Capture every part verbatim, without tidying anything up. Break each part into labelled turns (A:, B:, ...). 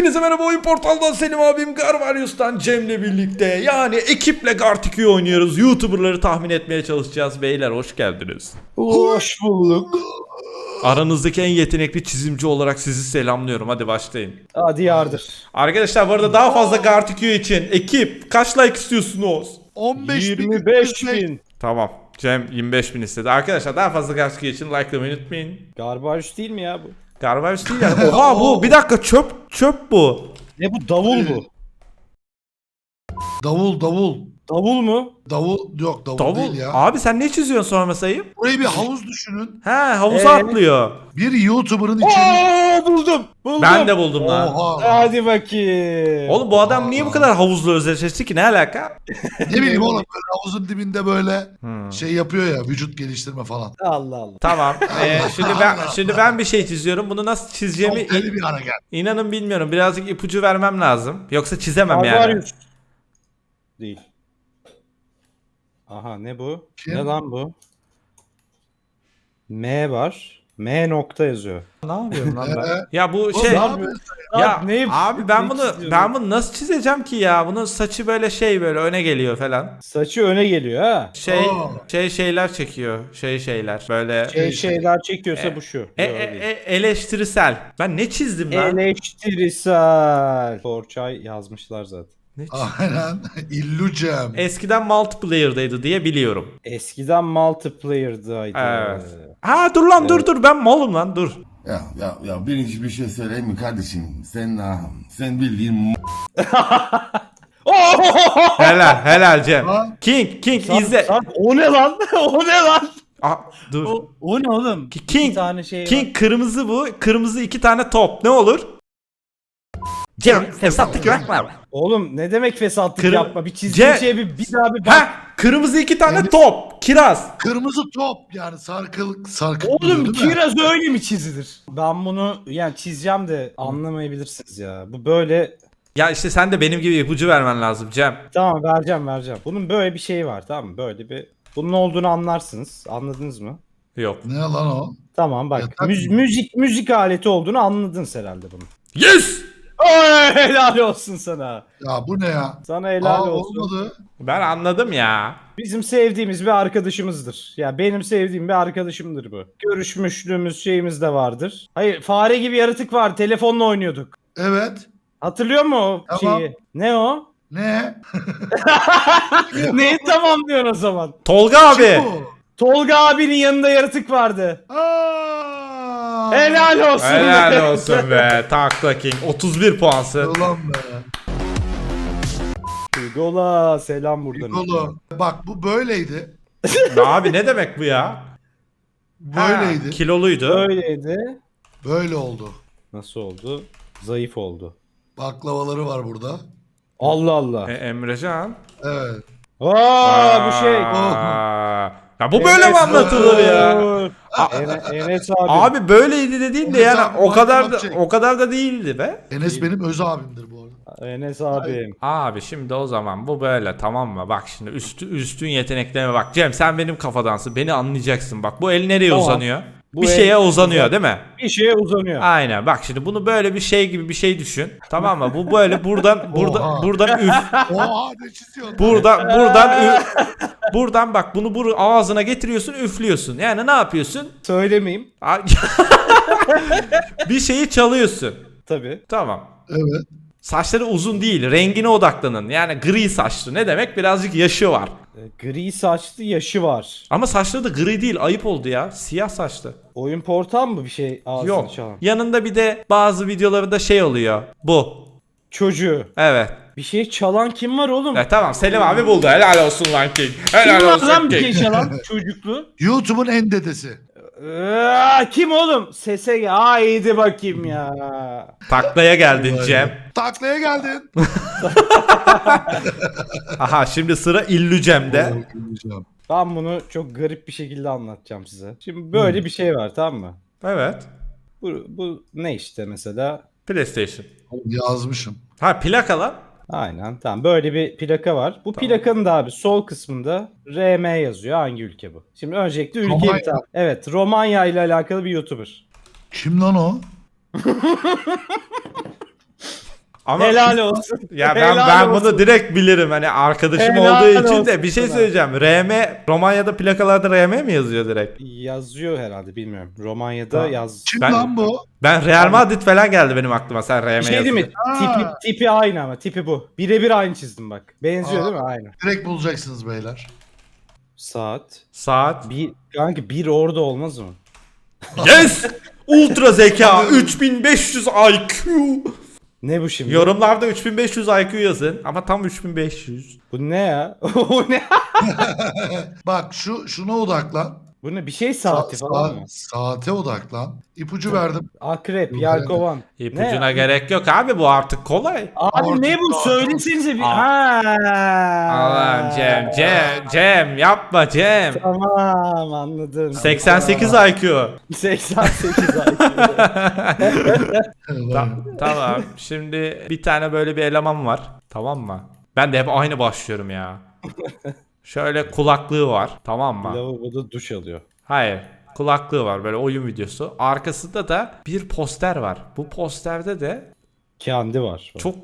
A: Hepinize merhaba, Oyun Portal'dan Selim abim, Garvarius'tan Cem'le birlikte yani ekiple Gartic oynuyoruz. YouTuber'ları tahmin etmeye çalışacağız. Beyler hoş geldiniz.
B: Hoş bulduk.
A: Aranızdaki en yetenekli çizimci olarak sizi selamlıyorum. Hadi başlayın.
B: Hadi yardır.
A: Arkadaşlar bu arada daha fazla Gartic için ekip kaç like istiyorsunuz?
C: on beş
B: yirmi beş bin.
A: Tamam. Cem yirmi beş bin istedi. Arkadaşlar daha fazla Gartic için likelamayı unutmayın.
B: Garbage değil mi ya bu?
A: Garvarius değil yani. Oha bu bir dakika çöp çöp bu.
B: Ne bu, davul bu?
C: Davul davul.
B: Davul mu?
C: Davul yok davul,
A: Davul.
C: değil ya.
A: Abi sen ne çiziyorsun sormasayım?
C: Burayı bir havuz düşünün.
A: He havuza
B: Ee?
A: atlıyor.
C: Bir YouTuber'ın içeri...
B: Oo, buldum. Buldum.
A: Ben de buldum lan.
C: Oha.
B: Hadi bakayım.
A: Oğlum bu adam niye bu kadar havuzla özdeşleşti ki, ne alaka?
C: Ne bileyim oğlum böyle havuzun dibinde böyle
A: Hmm.
C: şey yapıyor ya, vücut geliştirme falan.
B: Allah Allah.
A: Tamam. Ee, şimdi ben şimdi ben bir şey çiziyorum. Bunu nasıl çizeceğimi
C: Çok deli bir hareket.
A: inanın bilmiyorum. Birazcık ipucu vermem lazım. Yoksa çizemem yani.
B: Garbarius. Değil. Aha, ne bu?
C: Kim?
B: Ne lan bu? M var. M nokta yazıyor.
A: Ne yapıyorum lan ben?
C: Ee,
A: Ya bu
C: Oğlum
A: şey
C: ne yapıyorsun?
A: ya
B: Abi ne-
A: abi ben
B: ne
A: bunu
B: çiziyorum?
A: ben bunu nasıl çizeceğim ki ya? Bunun saçı böyle şey böyle öne geliyor falan.
B: Saçı öne geliyor ha.
A: Şey
C: Aa.
A: şey şeyler çekiyor. Şey şeyler böyle
B: Şey şeyler çekiyorsa
A: E,
B: bu şu.
A: e,
B: Yok,
A: e,
B: değil.
A: e, eleştirisel. Ben ne çizdim lan?
B: Eleştirisel. Forçay yazmışlar zaten.
A: Ne çizdim?
C: Aynen. İllucem.
A: Eskiden multiplayer'daydı diye biliyorum.
B: Eskiden multiplayer'daydı.
A: Evet. Ha dur lan dur dur ben malım lan dur.
D: Ya ya ya birinci bir şey söyleyeyim mi kardeşim? Sen ah, sen bildiğin m-
A: Helal helal Cem.
C: Ha?
A: King King
B: Sarp,
A: izle.
B: Sarp, o ne lan? o ne lan?
A: Aa, dur.
B: O, o ne oğlum?
A: Ki-
B: İki
A: King
B: tane şey var.
A: King kırmızı bu. Kırmızı iki tane top. Ne olur? Cem fesatlık yapma.
B: Oğlum ne demek fesatlık
A: Kır-
B: yapma? Bir çizdiğin
A: Ce-
B: şeye bir, bir daha bir bak.
A: Ha kırmızı iki tane
C: Yani-
A: top. Kiraz.
C: Kırmızı top yani sarkılık sarkık.
B: Oğlum
C: duruyor, değil mi?
B: kiraz öyle mi çizilir? Ben bunu yani çizeceğim de anlamayabilirsiniz ya. Bu böyle,
A: Ya işte sen de benim gibi ipucu vermen lazım Cem.
B: tamam vereceğim vereceğim. Bunun böyle bir şeyi var, tamam mı? Böyle bir, bunun olduğunu anlarsınız. Anladınız mı?
A: Yok.
C: Ne lan o?
B: Tamam bak.
C: Yatak
B: müz-
C: mı?
B: müzik müzik aleti olduğunu anladınız herhalde bunu.
A: Yes!
B: Oy, helal olsun sana.
C: Ya bu ne ya?
B: Sana helal
C: Aa,
B: olsun.
C: olmadı.
A: Ben anladım ya.
B: Bizim sevdiğimiz bir arkadaşımızdır. Ya benim sevdiğim bir arkadaşımdır bu. Görüşmüşlüğümüz şeyimiz de vardır. Hayır, fare gibi yaratık var. Telefonla oynuyorduk.
C: Evet.
B: Hatırlıyor musun o
C: Tamam.
B: şeyi? Ne o?
C: Ne?
B: Neyi tamam diyorsun o zaman?
A: Tolga abi.
C: Kim bu?
B: Tolga abinin yanında yaratık vardı.
C: Aa!
B: Helal olsun.
A: Helal olsun be. Takla King. otuz bir puansın.
C: Ulan be.
B: Hugo'la selam buradan.
C: Nikolo. Bak bu böyleydi.
A: Abi ne demek bu ya?
C: Böyleydi.
A: Ha, kiloluydu.
B: Öyleydi.
C: Böyle oldu.
B: Nasıl oldu? Zayıf oldu.
C: Baklavaları var burada.
B: Allah Allah.
A: E, Emrecan.
C: Evet.
B: Aa, bu şey.
A: Aa. Ya bu böyle mi
B: Enes
A: anlatılır ya?
B: Batur. Ene- Enes abi.
A: Abi böyleydi dediğin de
C: Enes
A: yani
C: abi,
A: o kadar da
C: Michael
A: o kadar da değildi be.
C: Enes benim öz abimdir bu arada.
B: Enes abim.
A: Abi şimdi o zaman bu böyle, tamam mı? Bak şimdi üstü, üstün yeteneklerime bak. Cem sen benim kafadansın. Beni anlayacaksın. Bak bu el nereye
B: Tamam.
A: uzanıyor?
B: Bu
A: bir
B: el-
A: şeye uzanıyor değil mi?
B: Bir şeye uzanıyor.
A: Aynen. Bak şimdi bunu böyle bir şey gibi bir şey düşün. Tamam mı? Bu böyle buradan burada
C: Oha.
A: buradan üf
C: Oha ne çiziyorsun?
A: buradan buradan üf, buradan bak bunu bu ağzına getiriyorsun, üflüyorsun. Yani ne yapıyorsun?
B: Söylemeyeyim.
A: Bir şeyi çalıyorsun.
B: Tabii.
A: Tamam.
C: Evet.
A: Saçları uzun değil, rengine odaklanın. Yani gri saçlı. Ne demek? Birazcık yaşı var.
B: E, Gri saçlı yaşı var.
A: Ama saçları da gri değil, ayıp oldu ya. Siyah saçlı.
B: Oyun portal mı bir şey ağzını
A: Yok.
B: çalan?
A: Yanında bir de bazı videolarında şey oluyor. Bu.
B: Çocuğu.
A: Evet.
B: Bir şey çalan kim var oğlum?
A: E, tamam Selim abi buldu. Helal olsun lan King.
B: Kim
A: Helal
B: var
A: olsun
B: lan bir
A: King.
B: şey çalan çocuklu?
C: YouTube'un en dedesi.
B: Ee, kim oğlum? Sese gel. Haydi bakayım ya.
A: Taklaya geldin Cem.
C: Taklaya geldin.
A: Aha şimdi sıra İllü Cem'de.
B: Ben bunu çok garip bir şekilde anlatacağım size. Şimdi böyle bir şey var, tamam mı?
A: Evet.
B: Bu, bu ne işte mesela?
A: PlayStation.
C: Yazmışım.
A: Ha plaka lan.
B: Aynen, tamam, böyle bir plaka var. Bu plakanın da abi sol kısmında R M yazıyor. Hangi ülke bu? Şimdi öncelikle ülkeyi
C: Romanya.
B: bir tane. Evet, Romanya ile alakalı bir YouTuber.
C: Kim lan o?
A: Ama
B: Helal olsun.
A: ya ben
B: Helal
A: ben
B: olsun.
A: bunu direkt bilirim. Hani arkadaşım
B: Helal
A: olduğu için
B: olsun
A: de bir şey
B: sana.
A: söyleyeceğim. R M Romanya'da plakalarda R M mi yazıyor direkt?
B: Yazıyor herhalde bilmiyorum. Romanya'da
A: Tamam.
B: yaz.
C: Kim
A: Ben-
C: lan bu?
A: Ben Real Madrid falan geldi benim aklıma sen R M
B: Bir şey değil mi?
A: yazınca.
B: Tipi,
C: Aa.
B: tipi aynı ama tipi bu. Birebir aynı çizdim bak. Benziyor
C: Aa.
B: değil mi? Aynı.
C: Direkt bulacaksınız beyler.
B: Saat.
A: Saat.
B: Bir, kanka bir orada olmaz mı?
A: Yes! Ultra zeka üç bin beş yüz I Q.
B: Ne bu şimdi?
A: Yorumlarda üç bin beş yüz I Q yazın ama tam üç bin beş yüz.
B: Bu ne ya? O ne?
C: Bak şu şuna odaklan.
B: Bu ne? Bir şey saati
C: Sa-
B: falan
C: sa-
B: mı?
C: Saate odaklan. İpucu verdim.
B: Akrep,
C: Yok,
B: yelkovan.
A: İpucuna
B: Ne?
A: gerek yok abi, bu artık kolay.
B: Abi ne bu?
C: Artık-
B: Söylesenize bir.
A: Aa.
B: Ha.
A: Allah'ım Cem, Cem, Cem yapma Cem.
B: Tamam anladım.
A: seksen sekiz I Q.
B: seksen sekiz ay.
A: Ta- tamam. Şimdi bir tane böyle bir eleman var. Tamam mı? Ben de hep aynı başlıyorum ya. Şöyle kulaklığı var. Tamam mı?
B: Lavaboda duş alıyor.
A: Hayır. Kulaklığı var, böyle oyun videosu. Arkasında da bir poster var. Bu posterde de
B: Kendi var.
A: çok...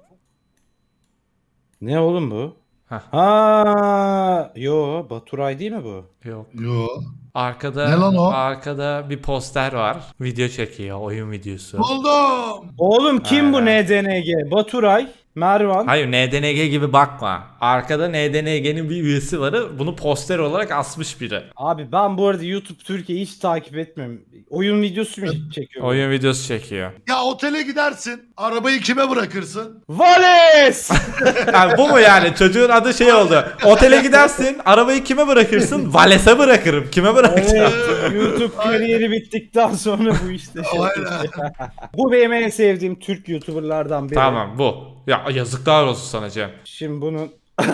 B: Ne oğlum bu?
A: Heh.
B: Ha, yo Baturay değil mi bu?
A: Yok.
C: Yo.
A: Arkada
C: Ne lan o?
A: arkada bir poster var. Video çekiyor, oyun videosu.
C: Buldum.
B: Oğlum kim bu
A: Ha.
B: N D N G? Baturay, Mervan.
A: Hayır, N D N G gibi bakma. Arkada N D N G'nin bir üyesi var. Bunu poster olarak asmış biri.
B: Abi ben bu arada YouTube Türkiye hiç takip etmiyorum. Oyun videosu mu çekiyor? bu?
A: Oyun videosu çekiyor.
C: Ya otele gidersin. Arabayı kime bırakırsın?
B: Vales!
A: Yani bu mu yani? Çocuğun adı şey oldu. Otele gidersin, arabayı kime bırakırsın? Vales'e bırakırım. Kime bırakacağım?
B: Evet, YouTube kariyeri bittikten sonra bu işte şey.
C: Aynen.
B: Bu benim en sevdiğim Türk YouTuber'lardan biri.
A: Tamam, bu. Ya yazıklar olsun sana Cem.
B: Şimdi bunun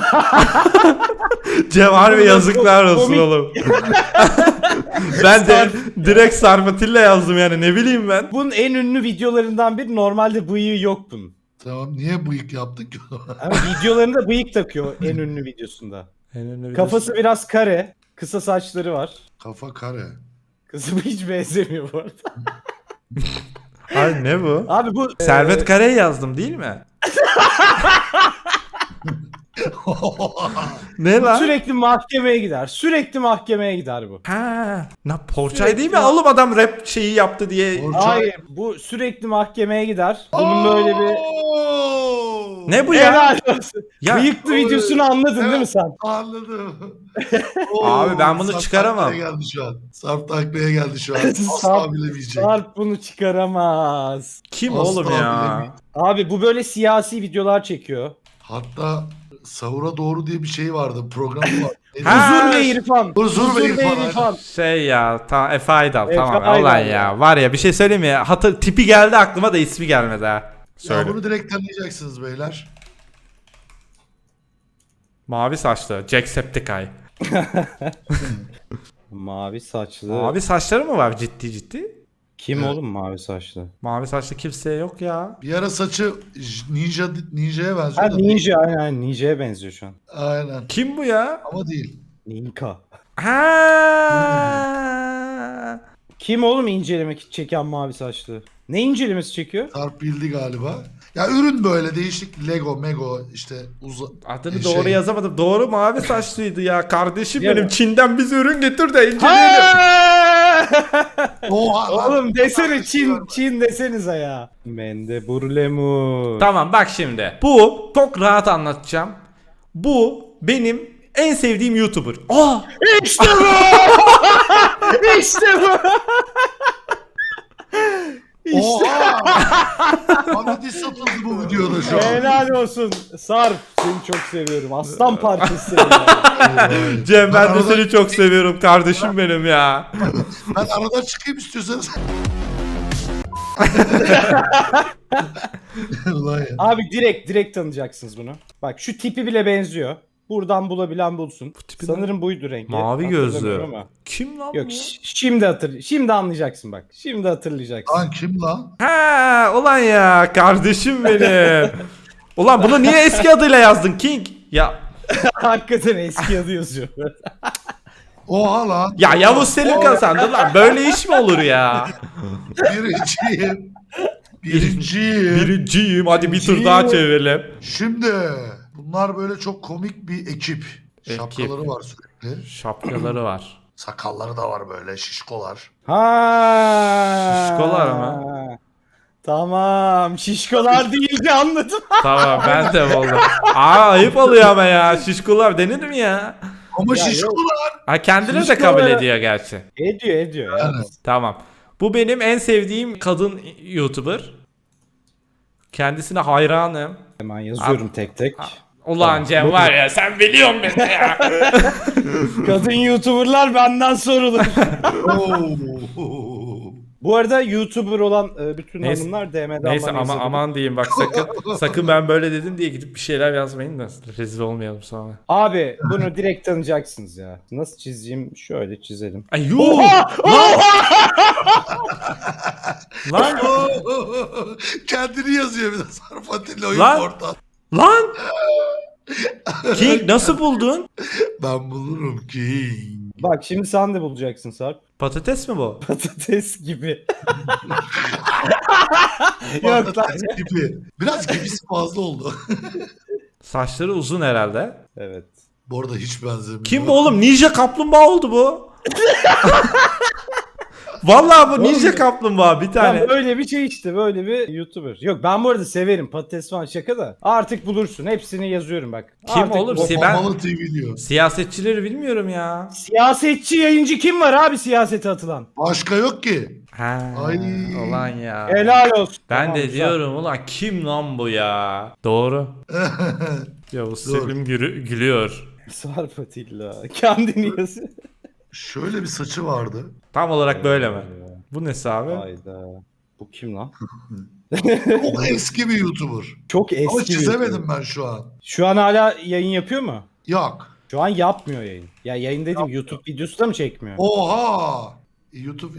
A: Cem harbi yazıklar olsun
B: Komik.
A: oğlum. Ben de direkt Sarmatilla yazdım yani, ne bileyim ben.
B: bunun en ünlü videolarından biri, normalde bıyığı yok bunun.
C: Tamam, niye bıyık yaptık ki?
B: Ama videolarında bıyık takıyor en ünlü videosunda. Kafası biraz kare, kısa saçları var.
C: Kafa kare.
B: Kızım hiç benzemiyor bu arada.
A: Abi ne bu?
B: Abi bu
A: Servet Kare'yi yazdım değil mi? Ne lan?
B: sürekli mahkemeye gider. Sürekli mahkemeye gider bu.
A: Ha, na Porçay
B: Sürekli-
A: değil mi? Oğlum adam rap şeyi yaptı diye.
C: Porçay.
B: Hayır, bu sürekli mahkemeye gider. Bunun böyle bir
C: Oo!
A: Ne bu ya?
B: helal olsun.
A: Ya-
B: Bıyıklı videosunu anladın değil mi
C: Evet.
B: sen?
C: Anladım.
A: Abi ben bunu
C: Sarp
A: çıkaramam.
C: taklaya geldi şu an. Sarp taklaya geldi şu an. Asla
B: Sarp-
C: bilemeyecek.
B: Sarp bunu çıkaramaz.
A: Kim
C: Asla
A: oğlum ya?
C: bilemeyecek.
B: Abi bu böyle siyasi videolar çekiyor.
C: Hatta Sahura Doğru diye bir şey vardı. Programı var. Neydi?
A: Ha,
B: Huzur ve İrfan.
C: Huzur ve İrfan.
A: Şey ya, ta Efe Aydal,
B: Efe
A: tamam
B: Aydal
A: olan
B: ya.
A: ya. Var ya, bir şey söyleyeyim mi? Hatır, tipi geldi aklıma da ismi gelmedi ha.
C: Ya
A: Söyle.
C: bunu direkt tanıyacaksınız beyler.
A: Mavi saçlı Jacksepticeye.
B: Mavi saçlı.
A: Mavi saçları mı var ciddi ciddi?
B: Kim
C: Evet.
B: oğlum mavi saçlı?
A: Mavi saçlı kimse yok ya.
C: Bir ara saçı j- ninja ninja'ya benziyor
B: Ha
C: da.
B: Ninja, aynen aynen Ninja'ya benziyor şu an.
C: Aynen.
A: Kim bu ya?
C: Ama değil.
B: Ninka.
A: Ha.
B: Kim oğlum incelemek çeken mavi saçlı? Ne incelemesi çekiyor?
C: Sarp bildi galiba. Ya ürün böyle değişik Lego, Mego işte uza...
A: Adını
C: E,
A: doğru
C: şey-
A: yazamadım. Doğru, mavi saçlıydı ya. Kardeşim
B: Ya
A: benim,
B: bu-
A: Çin'den bize ürün getir de inceleyelim.
B: Ha!
C: Oha lan.
B: Oğlum desene Çin, Çin desenize ya. Mende burlemu.
A: Tamam bak şimdi. Bu çok rahat anlatacağım. Bu benim en sevdiğim YouTuber. Aa!
B: İşte bu! İşte bu! İşte
C: Oha! Bana diss atıldı bu videoda şu an.
B: helal olsun. Sarp seni çok seviyorum. Aslan parçası seni. ya.
A: Cem, ben de
C: arada-
A: seni çok seviyorum kardeşim benim ya.
C: Ben aradan çıkayım istiyorsanız. Ulan ya.
B: Abi direkt direkt tanıyacaksınız bunu. Bak şu tipi bile benziyor. Buradan bulabilen bulsun.
A: tipi
B: Sanırım buydu rengi.
A: Mavi gözlü.
B: Hatırlamıyorum ama.
A: Kim lan
B: Yok
A: bu?
B: ş- şimdi hatır şimdi anlayacaksın bak. Şimdi hatırlayacaksın.
C: Lan kim lan?
A: Ha, ulan ya kardeşim benim. Ulan bunu niye eski adıyla yazdın King? Ya
B: Hakikaten eski adı yazıyor.
C: Oha lan.
A: ya Yavuz Selim kazandı lan. Böyle iş mi olur ya?
C: Birinciyim. Birinciyim.
A: Birinciyim. Hadi bir tur daha çevirelim.
C: Şimdi bunlar böyle çok komik bir ekip.
A: Ekip.
C: Şapkaları var sürekli.
A: Şapkaları var.
C: Sakalları da var böyle şişkolar.
B: Ha.
A: Şişkolar mı?
B: Tamam. Şişkolar deyince anladım.
A: Tamam ben de buldum. Aa ayıp oluyor ama ya. Şişkolar denir mi ya?
C: Ama
B: Ya
C: şişkolar.
A: Ha kendine de
B: Şişkolar-
A: kabul ediyor gerçi.
B: ediyor ediyor ya.
C: Evet.
A: Tamam. Bu benim en sevdiğim kadın YouTuber. Kendisine hayranım.
B: Hemen yazıyorum tek tek.
A: Ulan Cem var ya sen biliyorsun beni ya.
B: Kadın YouTuber'lar benden sorulur.
C: Oo.
B: Bu arada YouTuber olan e, bütün
A: Neyse-
B: hanımlar D M'den
A: Neyse
B: bana
A: ama
B: yazabilir.
A: aman diyeyim bak sakın sakın ben böyle dedim diye gidip bir şeyler yazmayın da rezil olmayalım sonra.
B: Abi bunu direkt tanıyacaksınız ya. Nasıl çizeyim? Şöyle çizelim.
A: Ay yuh! Lan!
C: Kendini yazıyor bir de Sarp Atilla oyun
A: Lan!
C: portal.
A: Lan! King nasıl buldun?
C: Ben bulurum ki.
B: Bak şimdi sen de bulacaksın Sarp.
A: Patates mi bu?
B: Patates gibi. Yok lan.
C: Patates gibi. Biraz gibisi fazla oldu.
A: Saçları uzun herhalde.
B: Evet.
C: Bu arada hiç benzemiyor.
A: Kim bu oğlum? Ninja kaplumbağa oldu bu. Vallahi bu ninja kaplumbağa bir tane.
B: Ben böyle bir şey işte böyle bir YouTuber. Yok ben bu arada severim patates falan şaka da. Artık bulursun hepsini yazıyorum bak.
A: Kim
B: Artık
A: oğlum?
B: bul-
A: Si- ben-
C: Mamalı T V diyor.
A: Siyasetçileri bilmiyorum ya.
B: Siyasetçi yayıncı kim var abi siyasete atılan?
C: Başka yok ki.
A: Ha,
C: Ay.
A: ulan ya.
B: Helal olsun.
A: Ben
B: Tamam,
A: de
B: güzel.
A: diyorum ulan kim lan bu ya? Doğru. Yavuz
C: Doğru.
A: Selim gülü- gülüyor.
B: Sarp Atilla. Kendini yazıyor.
C: Şöyle bir saçı vardı.
A: Tam olarak böyle mi? Bu nesi abi?
B: Hayda. Bu kim lan?
C: Çok eski bir YouTuber.
B: Çok eski.
C: Ama
B: bir
C: çizemedim
B: YouTuber.
C: ben şu an.
B: Şu an hala yayın yapıyor mu?
C: Yok.
B: Şu an yapmıyor yayın. Ya yayın dedim YouTube videosu da mı çekmiyor?
C: Oha. YouTube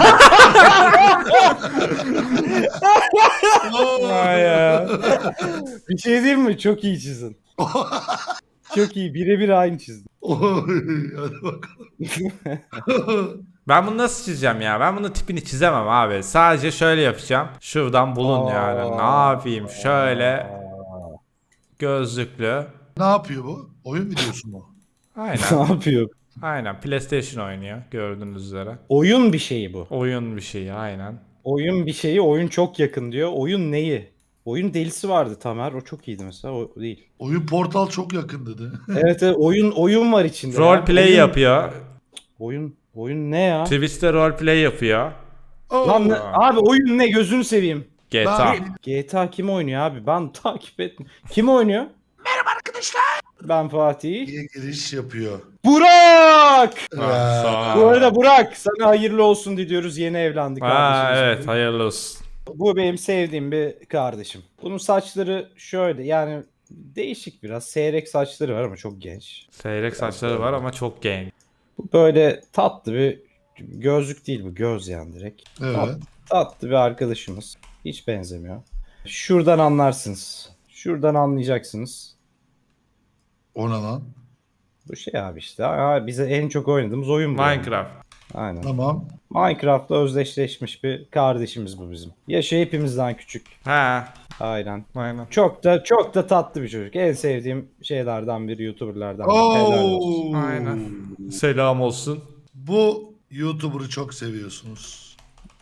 A: Vay ya.
B: Bir şey diyeyim mi? Çok iyi çizin. Çok iyi. Birebir aynı çizdin.
C: Oy, hadi bakalım.
A: Ben bunu nasıl çizeceğim ya? Ben bunun tipini çizemem abi. Sadece şöyle yapacağım. Şuradan bulun
B: Aa.
A: yani. Ne yapayım? Şöyle gözlüklü.
C: Ne yapıyor bu? Oyun videosu mu?
A: Aynen.
B: Ne yapıyor?
A: Aynen. PlayStation oynuyor gördüğünüz üzere.
B: Oyun bir şeyi bu.
A: Oyun bir şey aynen.
B: Oyun bir şeyi, oyun çok yakın diyor. Oyun neyi? Oyun delisi vardı Tamer. O çok iyiydi mesela. O değil.
C: Oyun portal çok yakın dedi.
B: Evet, evet oyun oyun var içinde.
A: Role
B: ya.
A: play
B: oyun,
A: yapıyor.
B: Oyun oyun ne ya?
A: Twitch'te role play yapıyor.
B: Lan ne- abi oyun ne gözünü seveyim.
A: G T A.
C: Ben-
B: G T A kim oynuyor abi? Ben takip etmiyorum. Kim oynuyor? Merhaba arkadaşlar. Ben Fatih.
C: diye giriş yapıyor.
B: Burak!
A: Ha, sonra-
B: Bu arada Burak sana hayırlı olsun diliyoruz. Yeni evlendik
A: Ha,
B: kardeşimiz.
A: evet hayırlı olsun.
B: Bu benim sevdiğim bir kardeşim. Bunun saçları şöyle yani değişik biraz. Seyrek saçları var ama çok genç.
A: Seyrek saçları var ama çok genç.
B: Bu böyle tatlı bir gözlük değil bu. Göz yani direkt.
C: Evet.
B: Tat- tatlı bir arkadaşımız. Hiç benzemiyor. Şuradan anlarsınız. Şuradan anlayacaksınız.
C: O ne lan?
B: Bu şey abi işte. Aa, bize en çok oynadığımız oyun bu.
A: Minecraft.
B: Aynen.
C: Tamam.
B: Minecraft'la özdeşleşmiş bir kardeşimiz bu bizim. Yaşı hepimizden küçük.
A: Ha,
B: Aynen.
A: aynen.
B: Çok da çok da tatlı bir çocuk. En sevdiğim şeylerden biri, YouTuber'lardan biri. Helal olsun.
C: Oo.
A: Aynen. Selam olsun.
C: Bu YouTuber'ı çok seviyorsunuz.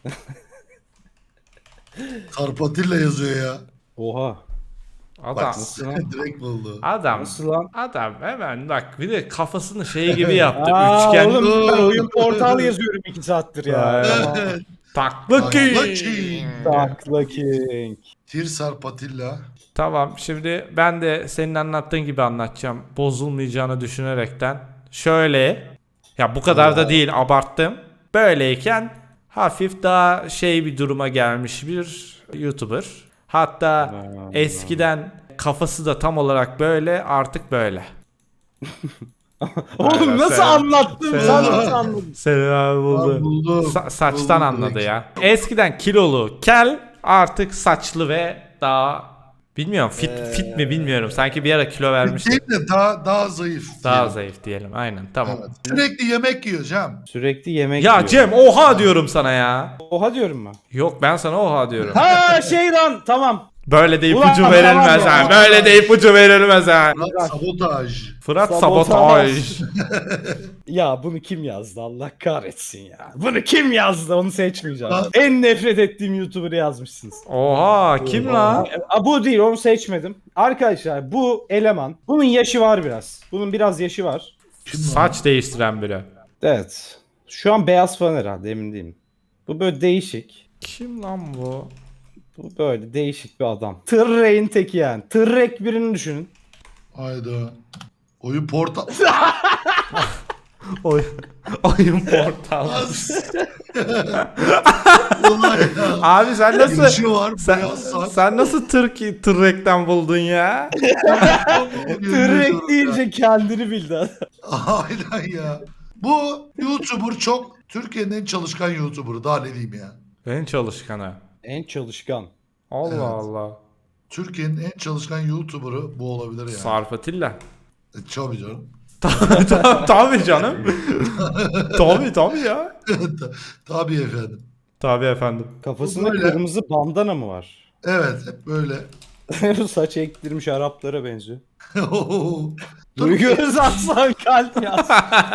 C: Sarp Atilla yazıyor ya.
B: Oha.
A: Adam.
C: Bak
B: nasıl lan?
C: direkt buldu.
A: Adam.
B: Nasıl lan?
A: Adam hemen bak bir de kafasını şey gibi yaptı.
B: Aa,
A: Üçgen.
B: oğlum ben oyun portal yazıyorum iki saattir ya.
A: Aynen. Taklı
C: Takla
A: ki.
C: King.
B: Takla King.
C: Tir Sarp Atilla.
A: Tamam şimdi ben de senin anlattığın gibi anlatacağım. Bozulmayacağını düşünerekten. Şöyle. Ya bu kadar da değil abarttım. Böyleyken hafif daha şey bir duruma gelmiş bir YouTuber. Hatta eskiden kafası da tam olarak böyle artık böyle.
B: Oğlum
A: Aynen,
B: nasıl
A: sen-
B: anlattın?
A: sen-
B: Sen nasıl anladın?
A: Senin abi buldu.
C: Ben buldum.
A: Sa- saçtan
C: Buldum
A: anladı
C: direkt.
A: ya. Eskiden kilolu kel artık saçlı ve daha Bilmiyorum fit
B: Ee,
A: fit mi bilmiyorum. Sanki bir ara kilo vermişti.
C: Değil de daha, daha zayıf.
A: Daha
C: diyelim.
A: zayıf diyelim. Aynen tamam.
C: Evet. Sürekli yemek yiyor Cem.
B: Sürekli yemek
A: Ya
B: yiyor.
A: Cem oha diyorum sana ya.
B: Oha diyorum mu?
A: Yok ben sana oha diyorum.
B: Ha şey lan tamam.
A: Böyle de
B: Ulan,
A: ipucu verilmez
B: tamam ya.
A: ha. Böyle de ipucu verilmez ha.
C: Fırat sabotaj.
A: Fırat
B: Sabotaj.
A: sabotaj.
B: Ya bunu kim yazdı Allah kahretsin ya. Bunu kim yazdı onu seçmeyeceğim.
C: Lan-
B: En nefret ettiğim YouTuber'ı yazmışsınız.
A: Oha kim lan?
B: Aa, bu değil onu seçmedim. Arkadaşlar bu eleman bunun yaşı var biraz. Bunun biraz yaşı var.
C: Kim lan?
A: Saç değiştiren biri.
B: Evet. Şu an beyaz falan herhalde emin değilim. Bu böyle değişik.
A: Kim lan bu?
B: Bu böyle değişik bir adam. Tırrek'in teki yani. Tırrek birini düşünün.
C: Hayda. Oyun portal.
A: Oy oyun portal.
C: Ulan ya.
A: Abi sen nasıl
C: Girişi var.
A: sen,
C: beyaz saç.
A: sen nasıl Türk Tırrek'ten buldun ya?
B: Tırrek deyince kendini bildi adam.
C: Aynen ya. Bu YouTuber çok Türkiye'nin en çalışkan YouTuber'ı. Daha ne diyeyim ya.
A: En çalışkanı.
B: En çalışkan.
A: Allah
C: Evet.
A: Allah.
C: Türkiye'nin en çalışkan YouTuber'ı bu olabilir yani.
A: Sarp Atilla.
C: E, Tabii canım.
A: Tabii tabii, tabii canım. Tabii tabii ya.
C: Tabii efendim.
A: Tabii efendim.
B: Kafasında
C: Böyle.
B: kırmızı bandana mı var?
C: Evet hep böyle.
B: Saç ektirmiş Araplara benziyor.
C: Dur.
B: Duygu Özaslan kalp yaz.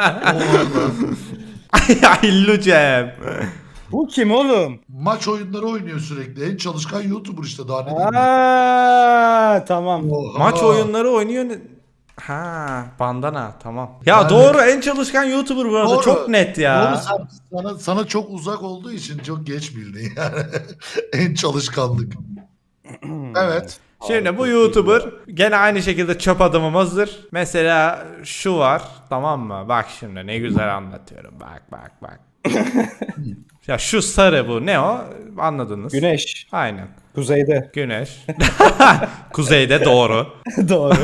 A: Hillu Cem.
B: Bu kim oğlum?
C: Maç oyunları oynuyor sürekli. En çalışkan YouTuber işte daha ne diyeyim.
B: Aa, tamam.
C: Oha.
A: Maç oyunları oynuyor. ne- Ha, bandana tamam. Ya
C: Yani-
A: doğru en çalışkan YouTuber bu arada
C: Doğru.
A: çok net ya.
C: Doğru, sen- sana, sana çok uzak olduğu için çok geç bildin yani. En çalışkanlık. Evet.
A: Şimdi bu YouTuber gene aynı şekilde çöp adamımızdır. Mesela şu var tamam mı? Bak şimdi ne güzel anlatıyorum. Bak bak bak. Ya şu sarı bu ne o? Anladınız.
B: Güneş.
A: Aynen.
B: Kuzeyde.
A: Güneş. Kuzeyde doğru.
B: Doğru.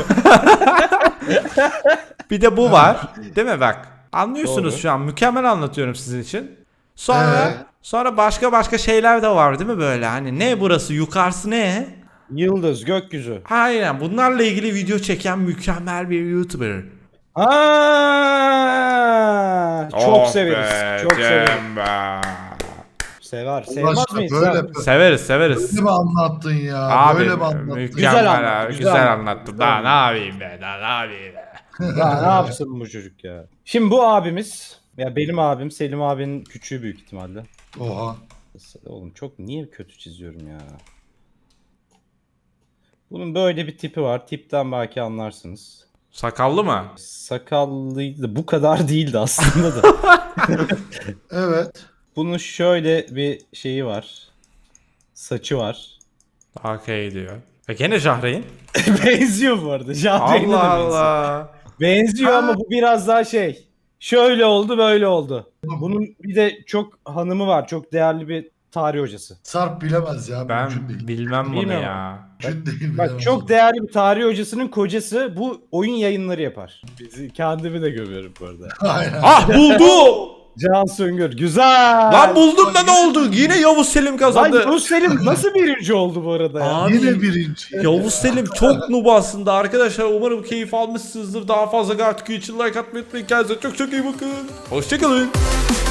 A: Bir de bu var. Değil mi bak? Anlıyorsunuz
B: Doğru.
A: şu an. Mükemmel anlatıyorum sizin için. Sonra
C: Ee?
A: sonra başka başka şeyler de var değil mi böyle? Hani ne burası? Yukarısı ne?
B: Yıldız, gökyüzü.
A: Aynen. Bunlarla ilgili video çeken mükemmel bir YouTuber.
B: Aa, çok
A: Oh
B: severiz.
A: be,
B: Çok severiz.
A: Cem be.
B: Sever.
C: Allah
B: Sevmez
C: aşkına
B: miyiz?
C: böyle,
B: ya?
C: böyle
A: Severiz severiz.
C: mi anlattın ya?
A: Abi
C: böyle mi anlattın?
A: mükemmel
B: Güzel
A: abi,
B: anlattı,
A: güzel,
B: güzel
A: anlattı.
B: anlattı,
A: Daha
B: güzel
A: ne yapayım be? Daha ne yapayım be?
B: Ya ne yapsın bu çocuk ya? Şimdi bu abimiz, ya benim abim Selim abinin küçüğü büyük ihtimalle.
C: Oha.
B: Oğlum çok niye kötü çiziyorum ya? Bunun böyle bir tipi var. Tipten belki anlarsınız.
A: Sakallı mı?
B: Sakallıydı. Bu kadar değildi aslında da.
C: Evet.
B: Bunun şöyle bir şeyi var. Saçı var.
A: Daha okey diyor. E gene Jahreyn.
B: Benziyor bu arada. Jahreyn'e de
A: Allah
B: benziyor.
A: Allah.
B: Benziyor ama bu biraz daha şey. Şöyle oldu böyle oldu. Bunun bir de çok hanımı var. Çok değerli bir tarih hocası.
C: Sarp bilemez ya.
A: Ben
C: Mümkün değil.
A: bilmem bunu
B: Bilmiyorum.
A: ya.
C: Mümkün değil.
B: Bak
C: bilemez.
B: çok değerli bir tarih hocasının kocası bu oyun yayınları yapar. Bizi kendimi de gömüyorum bu arada.
C: Aynen.
A: Ah buldum.
B: Can Söngür güzel.
A: Lan buldum da ne oldu? Yine Yavuz Selim
B: Lan
A: kazandı.
B: Yavuz Selim nasıl birinci oldu bu arada ya?
A: Abi
C: Yine birinci.
A: Yavuz Selim çok noob aslında arkadaşlar. Umarım keyif almışsınızdır. Daha fazla Gartic için like atmayı unutmayın. Kendinize çok çok iyi bakın. Hoşçakalın.